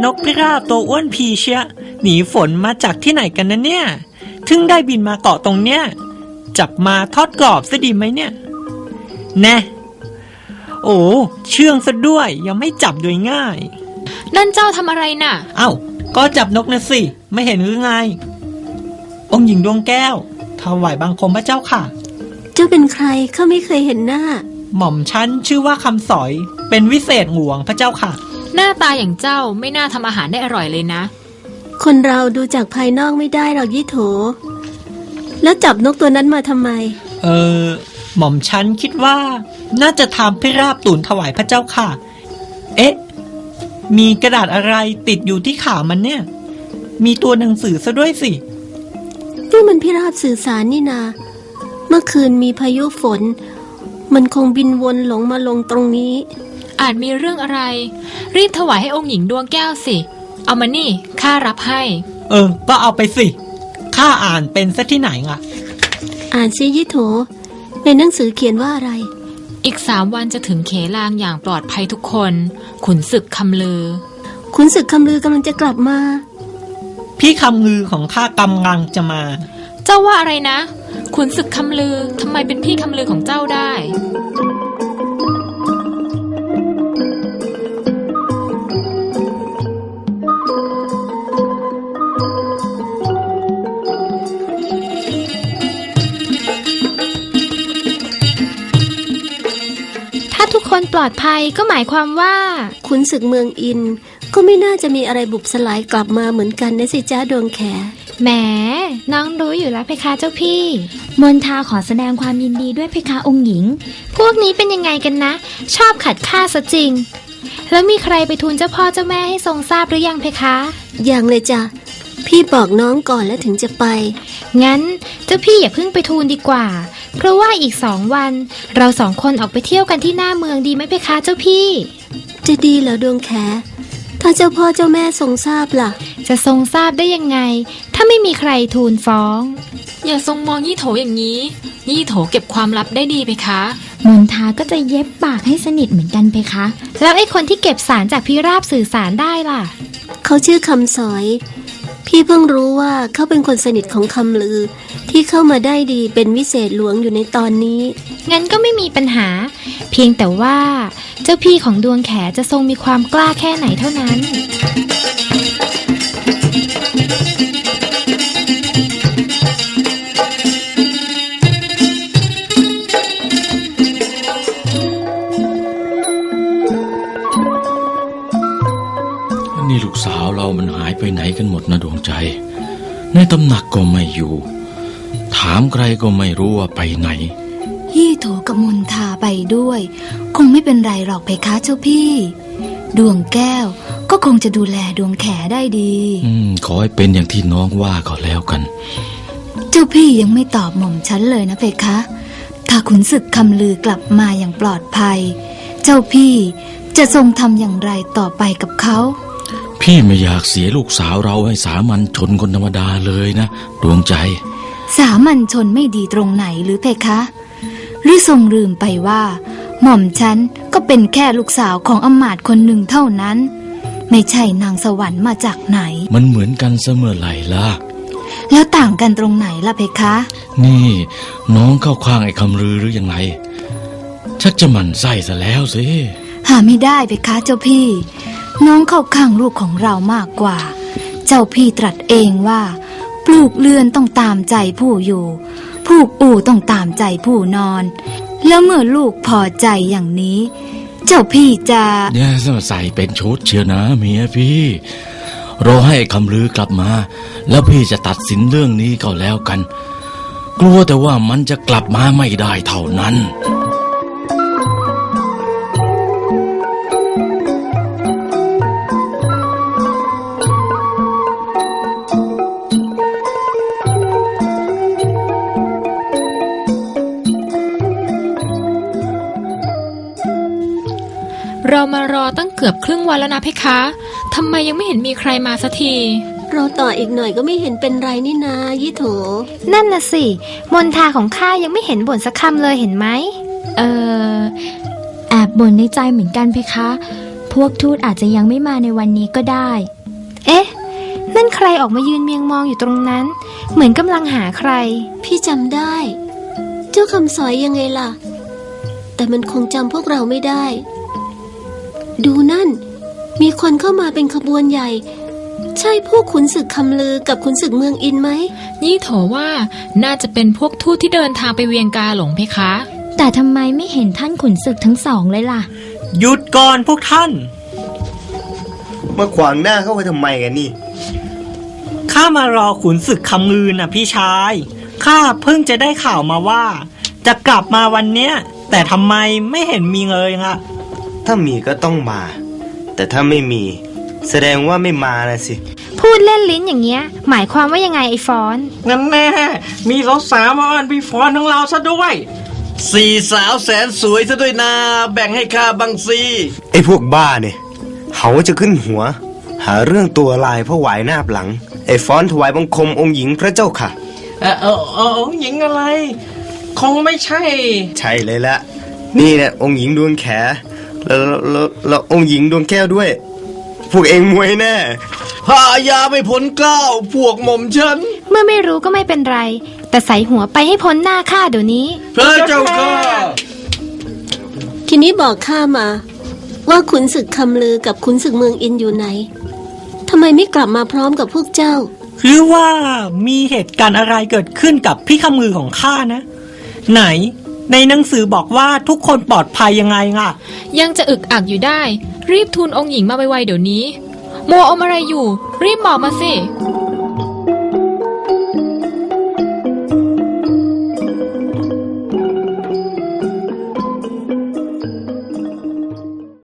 นกพิราบตัวอ้วนพีเชียหนีฝนมาจากที่ไหนกันนะเนี่ยถึงได้บินมาเกาะตรงเนี้ยจับมาทอดกรอบซะดีไหมเนี่ยแน่โอ้เชื่องซะด้วยยังไม่จับโดยง่ายนั่นเจ้าทำอะไรน่ะเอ้าก็จับนกนะสิไม่เห็นหรือไงองค์หญิงดวงแก้วถวายบังคมพระเจ้าค่ะเจ้าเป็นใครข้าไม่เคยเห็นหน้าหม่อมฉันชื่อว่าคำสอยเป็นวิเศษหลวงพระเจ้าค่ะหน้าตาอย่างเจ้าไม่น่าทำอาหารได้อร่อยเลยนะคนเราดูจากภายนอกไม่ได้หรอกยี่โถแล้วจับนกตัวนั้นมาทำไมหม่อมฉันคิดว่าน่าจะทำพิราบตุ๋นถวายพระเจ้าค่ะเอ๊ะมีกระดาษอะไรติดอยู่ที่ขามันเนี่ยมีตัวหนังสือซะด้วยสินี่มันพิราบสื่อสารนี่นาเมื่อคืนมีพายุฝนมันคงบินวนหลงมาลงตรงนี้อาจมีเรื่องอะไรรีบถวายให้องค์หญิงดวงแก้วสิเอามานี่ข้ารับให้ก็เอาไปสิข้าอ่านเป็นซะที่ไหนอ่ะอ่านซิยี่โถในหนังสือเขียนว่าอะไรอีก3 วันจะถึงเขลางอย่างปลอดภัยทุกคนขุนศึกคำลือขุนศึกคำลือกำลังจะกลับมาพี่คำลือของข้ากำลังจะมาเจ้าว่าอะไรนะขุนศึกคำลือทำไมเป็นพี่คำลือของเจ้าได้ทุกคนปลอดภัยก็หมายความว่าขุนศึกเมืองอินก็ไม่น่าจะมีอะไรบุบสลายกลับมาเหมือนกันนะสิจ้าดวงแขแหมน้องรู้อยู่แล้วเพคะเจ้าพี่มนทาขอแสดงความยินดีด้วยเพคะองค์หญิงพวกนี้เป็นยังไงกันนะชอบขัดข้าซะจริงแล้วมีใครไปทูลเจ้าพ่อเจ้าแม่ให้ทรงทราบหรือยังเพคะยังเลยจ้ะพี่บอกน้องก่อนแล้วถึงจะไปงั้นเจ้าพี่อย่าเพิ่งไปทูลดีกว่าเพราะว่าอีก2 วันเรา2 คนออกไปเที่ยวกันที่หน้าเมืองดีไหมเพคะเจ้าพี่จะดีเหรอดวงแขถ้าเจ้าพ่อเจ้าแม่ทรงทราบล่ะจะทรงทราบได้ยังไงถ้าไม่มีใครทูลฟ้องอย่าทรงมองยี่โถอย่างนี้ยี่โถเก็บความลับได้ดีเพคะมนทาก็จะเย็บปากให้สนิทเหมือนกันเพคะแล้วไอ้คนที่เก็บสารจากพิราบสื่อสารได้ล่ะเขาชื่อคำสอยพี่เพิ่งรู้ว่าเขาเป็นคนสนิทของคำลือที่เข้ามาได้ดีเป็นวิเศษหลวงอยู่ในตอนนี้งั้นก็ไม่มีปัญหาเพียงแต่ว่าเจ้าพี่ของดวงแขจะทรงมีความกล้าแค่ไหนเท่านั้นนี่ลูกสาวเรามันหายไปไหนกันหมดนะดวงใจในตำหนักก็ไม่อยู่ถามใครก็ไม่รู้ว่าไปไหนยี่โถกับมนทาไปด้วยคงไม่เป็นไรหรอกเพคะเจ้าพี่ดวงแก้วก็คงจะดูแลดวงแขได้ดีขอให้เป็นอย่างที่น้องว่าก็แล้วกันเจ้าพี่ยังไม่ตอบหม่อมฉันเลยนะเพคะถ้าขุนศึกคำลือกลับมาอย่างปลอดภัยเจ้าพี่จะทรงทำอย่างไรต่อไปกับเขาพี่ไม่อยากเสียลูกสาวเราให้สามัญชนคนธรรมดาเลยนะดวงใจสามัญชนไม่ดีตรงไหนหรือเพคะหรือทรงลืมไปว่าหม่อมฉันก็เป็นแค่ลูกสาวของอำมาตย์คนหนึ่งเท่านั้นไม่ใช่นางสวรรค์มาจากไหนมันเหมือนกันเสมอไหร่ล่ะแล้วต่างกันตรงไหนล่ะเพคะนี่น้องเข้าข้างไอ้คำลือหรือยังไงชักจะหมั่นไส้ซะแล้วสิหาไม่ได้เพคะเจ้าพี่น้องเข้าข้างลูกของเรามากกว่าเจ้าพี่ตรัสเองว่าปลูกเรือนต้องตามใจผู้อยู่ผูกอู่ต้องตามใจผู้นอนแล้วเมื่อลูกพอใจอย่างนี้เจ้าพี่จะเนี่ยใส่เป็นชุดเชียวนะเมียพี่รอให้คำลือกลับมาแล้วพี่จะตัดสินเรื่องนี้ก็แล้วกันกลัวแต่ว่ามันจะกลับมาไม่ได้เท่านั้นเรามารอตั้งเกือบครึ่งวันแล้วนะเพคะทำไมยังไม่เห็นมีใครมาสักทีรอต่ออีกหน่อยก็ไม่เห็นเป็นไรนี่นายี่โถนั่นน่ะสิมนทาของข้ายังไม่เห็นบ่นสักคำเลยเห็นไหมแอบบ่นในใจเหมือนกันเพคะพวกทูตอาจจะยังไม่มาในวันนี้ก็ได้ใครออกมายืนเมียงมองอยู่ตรงนั้น เหมือนกำลังหาใครพี่จำได้ เจ้าคำสอยยังไงล่ะ แต่มันคงจำพวกเราไม่ได้ ดูนั่น มีคนเข้ามาเป็นขบวนใหญ่ ใช่พวกขุนศึกคำลือกับขุนศึกเมืองอินไหมนี่โถว่าน่าจะเป็นพวกทูตที่เดินทางไปเวียงกาหลงเพคะแต่ทำไมไม่เห็นท่านขุนศึกทั้งสองเลยล่ะหยุดก่อนพวกท่านมาขวางหน้าเข้าไปทำไมกันนี่ข้ามารอขุนศึกคำลือนะพี่ชาย ข้าเพิ่งจะได้ข่าวมาว่า จะกลับมาวันเนี้ย แต่ทำไมไม่เห็นมีเลยล่ะถ้ามีก็ต้องมา แต่ถ้าไม่มี แสดงว่าไม่มานะสิพูดเล่นลิ้นอย่างเงี้ย หมายความว่ายังไงไอ้ฟอนงั้นแน่ มีสาวๆมาอ้อนพี่ฟอนของเราซะด้วยสี่สาวแสนสวยซะด้วยนาแบ่งให้ข้าบังซีไอ้พวกบ้าเนี่ยเขาจะขึ้นหัว หาเรื่องตัวลายเพราะหวายหน้าหลัง ไอ้ฟ้อนถวายบังคมองค์หญิงพระเจ้าค่ะหญิงอะไร คงไม่ใช่ใช่เลยละ นี่เนี่ยองค์หญิงดวงแขแล้วองค์หญิงดวงแก้วด้วย พวกเองมวยแน่พายาไม่พ้นเกล้าพวกหม่อมฉันเมื่อไม่รู้ก็ไม่เป็นไร แต่ใส่หัวไปให้พ้นหน้าข้าเดี๋ยวนี้พระเจ้าค่ะทีนี้บอกข้ามา ว่าขุนศึกคำลือกับขุนศึกเมืองอินอยู่ไหน ทำไมไม่กลับมาพร้อมกับพวกเจ้าหรือว่ามีเหตุการณ์อะไรเกิดขึ้นกับพี่คำมือของข้านะ ไหน ในหนังสือบอกว่าทุกคนปลอดภัยยังไงล่ะยังจะอึกอักอยู่ได้ รีบทูลองค์หญิงมาไวๆเดี๋ยวนี้ มัวอมอะไรอยู่ รีบบอกมาสิ